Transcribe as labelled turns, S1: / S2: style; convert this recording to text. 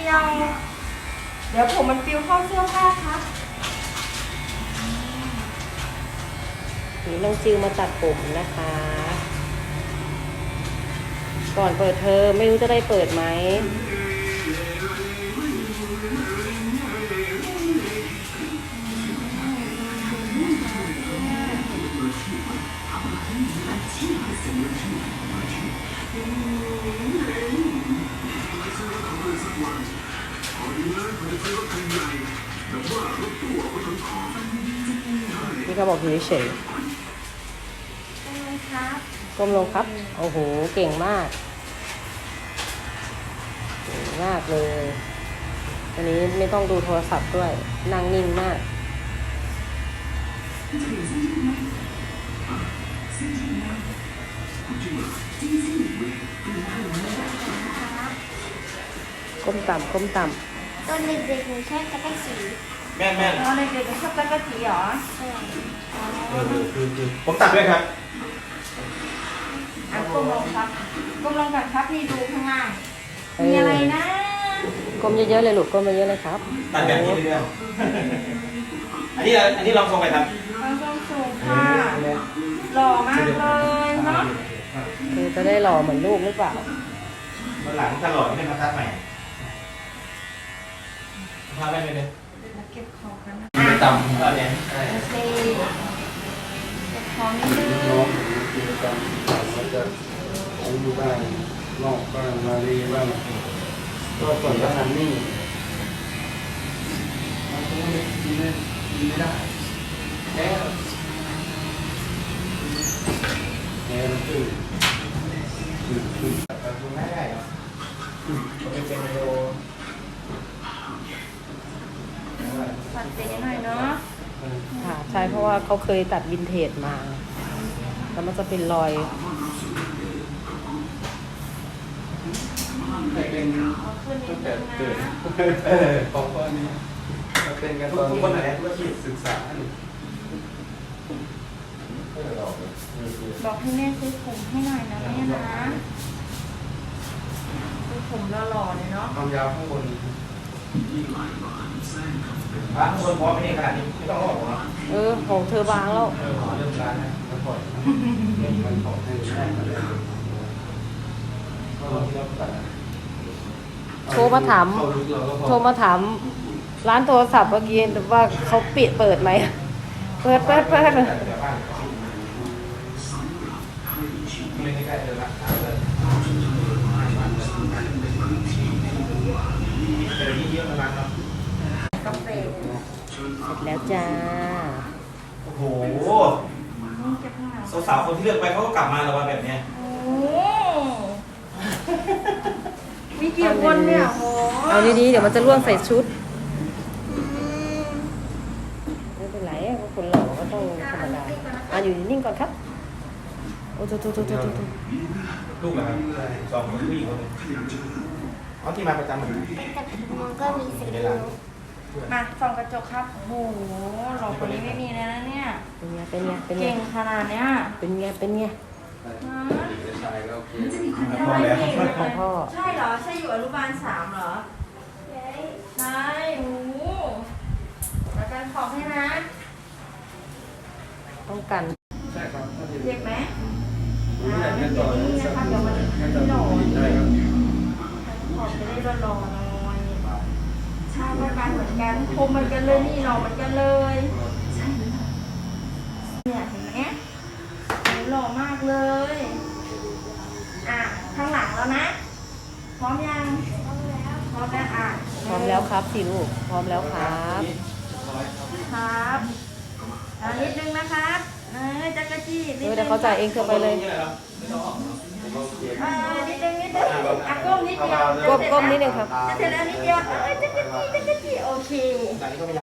S1: ยว เดี๋ยวผมมันปิวเข้าเสื้อผ้าครับ
S2: นี่น้องจิวมาตัดผมนะคะ ก่อนเปิดเทอมไม่รู้จะได้เปิดไหมนี่เขาบอกอยู่เฉยก้มลงครับโอ้โหเก่งมากเก่งมากเลยอันนี้ไม่ต้องดูโทรศัพท์ด้วยนั่งนิ่งมากก้มต่ำก้มต่ำ
S3: ตอนเด็กๆหนูชอบจักรจี
S4: แม่น
S1: ตอนเด็กๆชอบจักรจีเหรอ
S3: ใช่
S4: คือผมตัดด้วยครับ
S1: ก้มลงครับก้มลงกันครับนี่ดูข้างล่างมีอะไรนะ
S2: ก้มเยอะๆเลยลูกก้มเยอะๆเลยครับ
S4: ตัดแบบนี้เรื่อยๆอันนี้ลองทรงไปครับ
S1: ลองสูงค่ะหล่อมากเลยเนาะ
S2: คือจะได้หล่อเหมือนลูกหรือเปล่า
S4: วันหลังถ้าหล่อไม่มาตัดใหม่พาไปเลย
S1: เก็บของกันนะ
S4: ต่ำตอนนี้
S1: โอเคเก็บของนิดนึง
S5: น้องกิจกรรมมันจะอายุบ้างนอกบ้างมารีบ้างก็ส่วนทหารนี่มันก็ไม่ได้แค่มันคือ
S4: แต่คุณไม่ได้หรอกไม่เป็นโด
S1: ตัดเจ๊หน่อยเนาะ
S2: ค่ะใช่เพราะว่าเขาเคยตัดวินเทจมาแล้วมันจะเป็นรอย
S5: เป็นตั้งแต่เกิดเพราะว่านี้เป็นกันตอนศึกษา
S1: บอกให้แม่ซื้อผมให้หน่อยนะแม่นะซื้อผมหล่อๆเลยเนาะ
S5: ความยาวข้างบน
S4: ข้างบนพอไม่ได้ขนาดนี้ไม่ต้องออกหรอ
S2: ของเธอบางแล้ว
S5: เริ่มร้านนะแล้วปล่อยมันขอให้ได้มาแล้วก็ที่เราตัด
S2: โทรมาถามร้านโทรศัพท์เมื่อกี้ว่าเขาเปิดไหมเปิด
S4: ไม่ใกล้เลยนะเดี๋ยวนี้เยอะมากครับ
S1: กาแฟ
S2: เสร็จแล้วจ้า
S4: โอ้โหสาวๆคนที่เลือกไปเขาก็กลับมาแล้วว่าแบบนี้
S1: มีกี่คนเนี่ยโห
S2: เอาดีๆเดี๋ยวมันจะร่วงใส่ชุดไม่เป็นไรคนหล่อก็ต้องธรรมดาอยู่นิ่งก่อนครับโอ้โห
S4: ลูกเหรอครับสองคนผู้หญิงคนนึงเขาที่มาประจำเหมือนกัน
S3: แต่มันก็มีสกิล
S1: มาส่องกระจกครับโอ้โหหล่อคนนี้ไม่มีเลยนะเนี่ย
S2: เป็นไง
S1: เก่งขนาดเนี้ย
S2: เป็นไง
S4: พอแล้ว
S2: พ่อ
S1: ใช่เหรอใช่อยู่อนุบาล3เหรอใช่โอ้โหแล้วกันขอบให้นะ
S2: ต้องกัน
S1: เจ็บไหม
S5: นี่นะคะเดี๋ยวมัน
S1: ไม่หล่อขอบจะได้หล่อหน่อยใช่ไม่ไปเหมือนกันคมเหมือนกันเลยนี่หล่อเหมือนกันเลยเนี่ยเห็นไหมหล่อมากเลยข้างหลังแล้วนะพร้อมยังพร้อมแล้วพร้อม
S2: แล้วครับสิลูกพร้อมแล้วครับ
S1: นิดนึงนะครับจักรจี้
S2: เดี๋ยวเขาจ่ายเองเธอไปเลย
S1: นิดนึงก้มนิดเดียว
S2: ก้มนิดนึงครับ
S1: จะเสร็จแล้วนิดเดียวจักรจี้โอเค